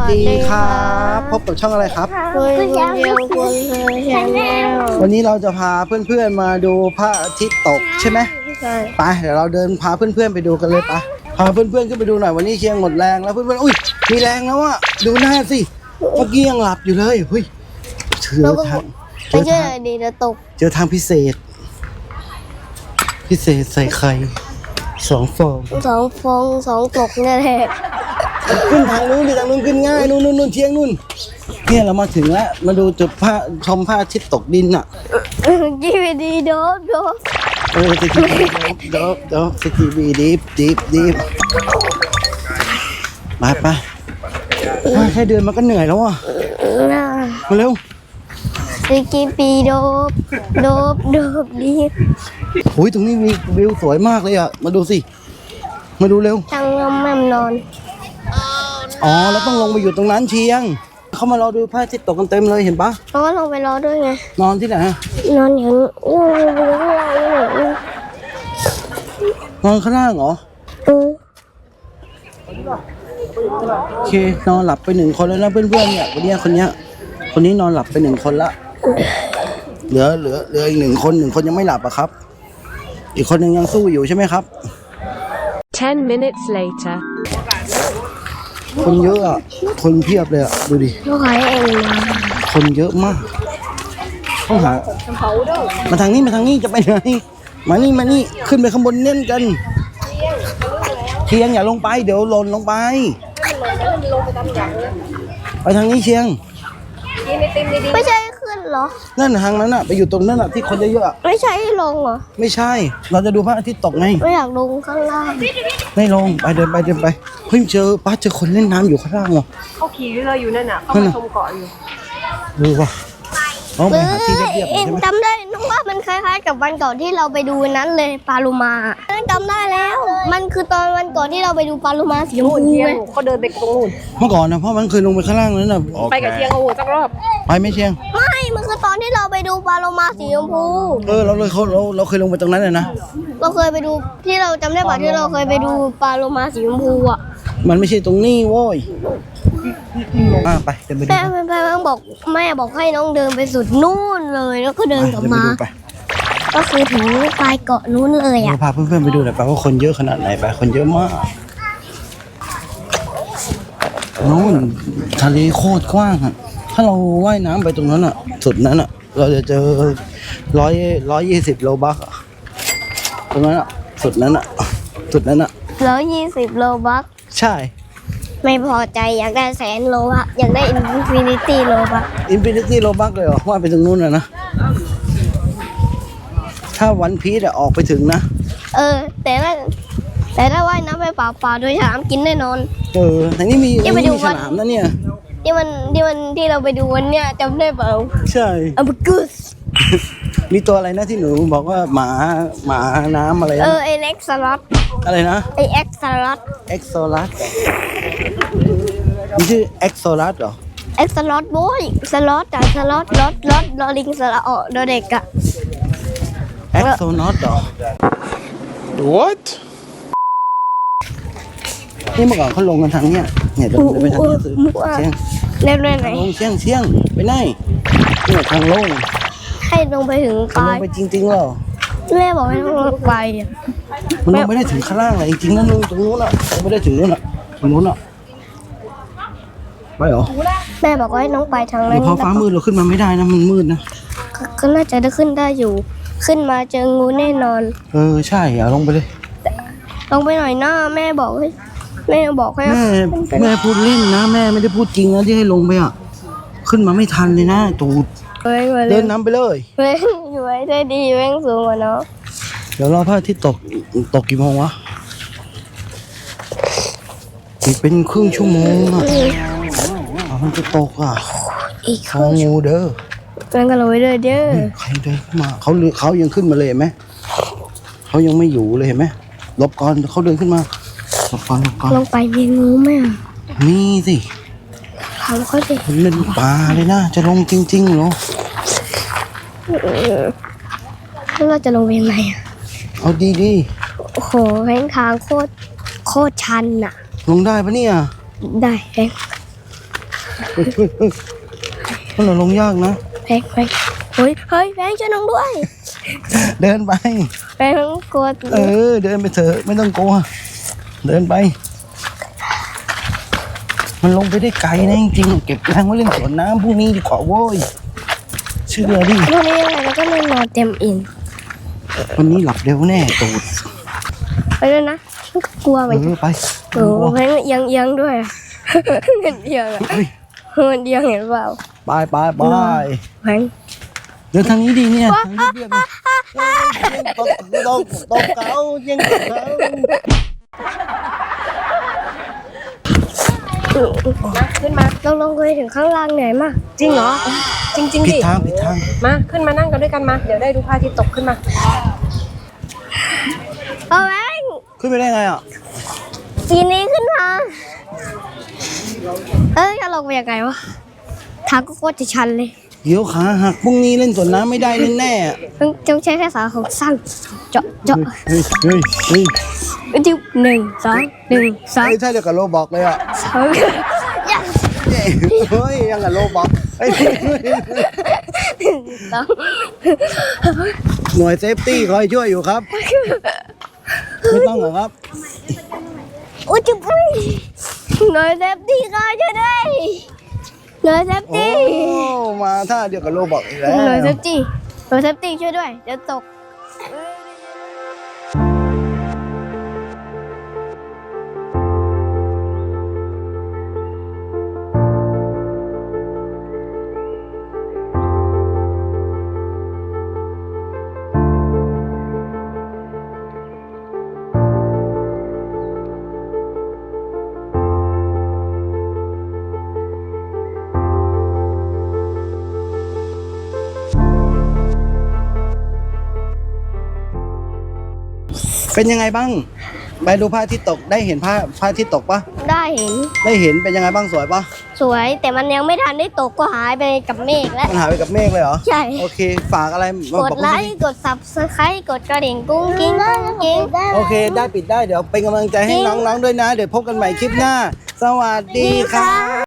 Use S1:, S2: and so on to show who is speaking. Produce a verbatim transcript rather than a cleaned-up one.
S1: ดีครับพบกับช่องอะไรครับ
S2: คุณยังคุณชาแนล
S1: วันนี้เราจะพาเพื่อนๆมาดูพระอาทิตย์ตกใช่ไหมไปเดี๋ยวเราเดินพาเพื่อนๆไปดูกันเลยไปพาเพื่อนๆขึ้นไปดูหน่อยวันนี้เชียงหมดแรงแล้วเพื่อนๆอุ้ยมีแรงแล้วอ่ะดูหน้าสิเมื่อกี้ยังหลับอยู่เลยเฮ้ยเจอทางเจ
S2: ไม่
S1: อ
S2: ใช่
S1: ทาง
S2: ดีจะตก
S1: เจอทางพิเศษ พิเศษใส่ไข่สองฟอง
S2: สองฟองสองตกเนี่ยแหละ
S1: ขึ้นทางนู้นดิทางนู้นขึ้นง่ายนู่นนู่นนู่นเชียงนู่นเนี่ยเรามาถึงแล้วมาดูจุดพระชมพระอาทิตย์ตกดินอ่ะ
S2: ยี่ไปดีโดบโดบ
S1: เออสกีบีเดี๋ยวเดี๋ยวสกีบีดีฟดีฟดีฟมาไปมาแค่เดินมันก็เหนื่อยแล้วอ่ะ
S2: น่า
S1: มาเร็ว
S2: สกีปีโดบโดบโดบดี
S1: โอ้ยตรงนี้มีวิวสวยมากเลยอ่ะมาดูสิมาดูเร็ว
S2: ทางลมแม่มนอน
S1: อ๋อเราต้องลงไปอยู่ตรงนั้นเชียงเขามารอดูพระอาทิตย์ตกกันเต็มเลยเห็นปะ
S2: เพราะว่าลงไปรอด้วยไง
S1: นอนที่ไหน
S2: นอนอย่างนี้นอนอยู่ข้างล่างนี่
S1: นอนข้างล่างเหรอ
S2: เออ
S1: โอเคนอนหลับไปหนึ่งคนแล้วนะเพื่อนๆเนี่ยวันนี้คนเนี้ยคนนี้นอนหลับไปหนึ่งคนละเหลือเหลือเหลืออีกหนึ่งคนหนึ่งคนยังไม่หลับอะครับ อีกคนหนึ่งยังสู้อยู่ใช่ไหมครับ
S3: Ten minutes later.
S1: คนเยอะอะคนเพียบเลยอะดูดิ
S2: ลูกค้าเองมา
S1: คนเยอะมากต้องหามาทางนี้มาทางนี้จะไปไหนมานี่มานี่ขึ้นไปข้างบนเน่นกันเชียงอย่าลงไปเดี๋ยวหล่นลงไปไปทางนี้เชียง
S2: ไม่ใช่ขึ้นเหรอ
S1: นั่นทางนั้นอะไปอยู่ตรงนั้นอะที่คนเยอะๆอะ
S2: ไม่ใช่ลงเหรอ
S1: ไม่ใช่ เราจะดูพระอาทิตย์ตกไง
S2: ไม่อยากลงข้างล่าง
S1: ไม่ลงไปเดินไปเดินไปเฮ้ยเจอป้าเจอคนเล่นน้ำอยู่ข้างล่างเหรอ
S3: เขาขี่เรืออยู่นั่นน่ะเขามาชมเกาะอยู่
S1: ดูป่ะน้องไป
S2: เอ
S1: หา
S2: อ
S1: ที่เรียบๆหน่อย
S2: เอ็
S1: ใช่
S2: น
S1: ไหม
S2: จำได้น้องว่ามันคล้ายๆกับวันก่อนที่เราไปดูนั้นเลยปลาลูมาจำได้แล้ว มันคือตอนวันก่อนที่เราไปดูปลาลูมาสีชม
S3: นู่น
S2: พู
S3: เชียง
S2: ไง
S3: เขาเดินไปตรงนู่น
S1: เมื่อก่อนนะเพราะมันเคยลงไปข้างล่างนั้นน่ะ
S3: ไปกับเชียงเอาหัวสักรอบ
S1: ไปไหม่เชียง
S2: ไม่ มันคือตอนที่เราไปดูปลาโลมาสีชมพู
S1: เออเราเลยเขาเราเราเคยลงไปตรงนั้นเลยนะ
S2: เราเคยไปดูที่เราจำได้ป่ะที่เราเคยไปดูปลาโลมาสีชมพูอ่ะ
S1: มันไม่ใช่ตรงนี้โว้ยอ่ะไปเดินไปดู
S2: แม่แม่แม่บอกแม่บอกให้น้องเดินไปสุดนู่นเลยแล้วก็เดินกลับ
S1: เดินไป
S2: มา
S1: ดูไป
S2: ก็คือถึงปลายเกาะนู้นเลย
S1: เรา
S2: อ่ะ
S1: พาเพื่อนๆไปดูหน่อยไปว่าคนเยอะขนาดไหนไปคนเยอะมากนู่นทะเลโคตรกว้างอ่ะถ้าเราว่ายน้ำไปตรงนั้นอ่ะ สุดนั้นอ่ะ เราจะเจอร้อยร้อยยี่สิบโลบักอะตรงนั้นอ่ะสุดนั้นอ่ะสุดนั้นอ่ะ
S2: แล้วยี่สิบโลบัค
S1: ใช่
S2: ไม่พอใจอยากได้แสนโลบัคอยากได้อินฟินิตี้โลบัค
S1: อินฟินิตี้โลบักเลยเหรอว่าไปตรงนู้นอ่ะนะถ้าวันพีซอะออกไปถึงนะ
S2: เออ แต่ถ้าแต่ถ้าว่ายน้ำไปเปล่าๆโดยฉลามกินแน่นอน
S1: เออแต่นี่มี
S2: ยังไป
S1: นี่
S2: ดู
S1: มี
S2: วั
S1: ฉ
S2: น
S1: ลามนะเนี่ย
S2: ที่มันที่มันที่เราไปดูวันเนี้ยจำได้เปล่า
S1: ใช่
S2: อัมกุส
S1: มีตัวอะไรนะที่หนูบอกว่าหมาหมาน้ำอะไร
S2: เอ
S1: นะ
S2: อไอเล็กสล็อต
S1: อะไรนะ
S2: ไอเอ็กซ์สล็อต
S1: เอ็กโซลัสมันชื่อเอ็กโซลัสเหรอ
S2: เอ็กซ์สล็อตโว้ยสล็อตจากสล็อตลอตลอตลอลิงสระออดอเด็กอะ
S1: เอ็กโซนอตเหรอ
S4: What?
S1: นี่เมื่อก่อนเขาลงกันทางเนี้ยเนี่ยเดินไปทางเนี้ยสิเชียง
S2: เล่นด้วยไหน
S1: ลงเชียงเชียงไปไหนเนี่ยทางลง
S2: ให้ลงไปถึงป
S1: ทาง
S2: ลา
S1: ล
S2: ย
S1: งไปจริงๆเหรอ
S2: แม่บอกให้ลงไปอะ
S1: มันลงไม่ได้ถึงข้างล่างเลยจริงๆนั่นลงตรงนู้นอ่ะลงไม่ได้ถึงนู้นอ่ะตรงนู้นอ่ะไปเหรอ
S2: แม่บอกว่าให้น้องไปทางนั้
S1: เดี๋ย
S2: น
S1: วพอฟ้ามืดเราขึ้นมาไม่ได้นะมันมืดนะ
S2: ก็ก็น่าจะได้ขึ้นได้อยู่ ขึ้นมาเจองูแน่นอน
S1: เออใช่อ่ะลงไปเลย
S2: ลงไปหน่อยหน้าแม่บอกให้แม่บอกให้
S1: แม่
S2: ขึ้นไป
S1: แม่พูดเล่นนะแม่ไม่ได้พูดจริงนะที่ให้ลงไปอ่ะขึ้นมาไม่ทันเลยนะตูด
S2: เว้ยเว้ย
S1: เดินนำไปเลย
S2: เว้ยอยู่ไว้ได้ดีแม่งสูงกว่าน้อง
S1: เดี๋ยวรอพระอาทิตย์ตกตกกี่โมงวะอีกเป็นครึ่งชั่วโมงอ่ะอ่ะมันจะตกอ่ะ
S2: อีก
S1: ทางงูเด้อ
S2: มันก็เลยเด้อเด้อ
S1: ใครเดินขึ้นมาเขาเขายังขึ้นมาเลยเห็นไหมเขายังไม่อยู่เลยเห็นไหมหลบก่อนเขาเดินขึ้นมาหลบก่อนหลบก่อน
S2: ลงไปมีงูไหมอ่ะ
S1: มีสิ
S2: ถามเขาดิ
S1: เล่นปลาเลยนะจะลงจริงๆเหรอ
S2: แล้วเราจะลงไปยังไงอ่ะ
S1: เอาดีดี
S2: โอ้โหแม่งทางโคตรโคตรชันอ่ะ
S1: ลงได้ปะเนี่ย
S2: ได้แม่ง
S1: มันหล่นลงยากนะ
S2: แพงแพงเฮ้ยเฮ้ยแพงช่วยน้องด้วย
S1: เดินไป
S2: แพงกลัว
S1: เออ เดินไปเถอะไม่ต้องกลัว เดินไป มันลงไปได้ไกลนะจริงๆเก็บแรงไว้เล่นสวนน้ำพรุ่งนี้ดีกว่าโว้ยเชื่อดิ
S2: พรุ่งนี้ยังไงเราก็ไม่นอนเต็มอิ่ม
S1: วันนี้หลับเร็วแน่ตูด
S2: ไปเลยนะกลัว
S1: เอ
S2: มัน
S1: อไป
S2: โอ้โหแพงเอียงเอียงด้วยอะเห็นเอียงอะ
S1: เฮ้ย
S2: มันเอียงเห็นเปล่า
S1: ไปไปไป
S2: แพง
S1: เดินทางนี้ดีเนี่ยทางนี้เรียบเลยเฮ้ยตกตกตกเขายังตกเขา
S3: มาขึ้นมา
S2: เราลงไปถึงข้างล่างเหนื่อยมาก
S3: จริงเหรอ จริงจริง
S1: ผิด
S3: ดิ
S1: ทางผิดทาง
S3: มาขึ้นมานั่งกันด้วยกันมา เดี๋ยวได้ดูพระอาทิตย์ตกขึ้นมา
S2: เอาแพง
S1: ขึ้นไปได้ไงอ่ะ
S2: ปีนี้ขึ้นมาเอ้ยจะลงไปยังไงวะทางก็โคตรจะชันเลย
S1: เดี๋ยวขาหักพรุ่งนี้เล่นสวนน้ำไม่ได้แน่ๆอะ
S2: ต้องต้องใช้แค่สาของสั้นเจาะเจาะ
S1: เฮ้ยเฮ้ยเฮ้ย
S2: จิ้วหนึ่งสองหนึ่งสอง
S1: เฮ้ยใช่เดียวกับโลบอกเลยอ่ะ
S2: สองยัง
S1: เฮ้ยยังกับโลบอกเฮ้ย
S2: สอง
S1: หน่วยเซฟตี้คอยช่วยอยู่ครับ ไม่ต้องเหรอครับ
S2: โอ้ยจุ๊บหน่วยเซฟตี้ก็ช่วยด้วยหน่วยเซฟ
S1: โอ้
S2: ตี้
S1: มาท่าเดียวกับโลบอกอีกแล้ว
S2: หน่วยเซฟตี้หน่วยเซฟตี้ช่วยด้วยเดี๋ยวตก
S1: เป็นยังไงบ้างไปดูพระอาทิตย์ตกได้เห็นพระพระอาทิตย์ตกปะ
S2: ได้เห็น
S1: ได้เห็นเป็นยังไงบ้างสวยปะ
S2: สวยแต่มันยังไม่ทันได้ตกก็หายไปกับเมฆแล้ว
S1: มันหายไปกับเมฆเลยเหรอ
S2: ใช่
S1: โอเคฝากอะไร
S2: ก
S1: บอก
S2: ด
S1: ผม
S2: ไล
S1: สิ
S2: ค์กด subscribe กดกระดิ่งกุ้งกิ้งกุ้งกิ้ง
S1: โอเคได้ปิดได้เดี๋ยวเป็นกำลังใจให้น้องๆด้วยนะ เดี๋ยวพบกันใหม่คลิปหน้า สวัสดีครับ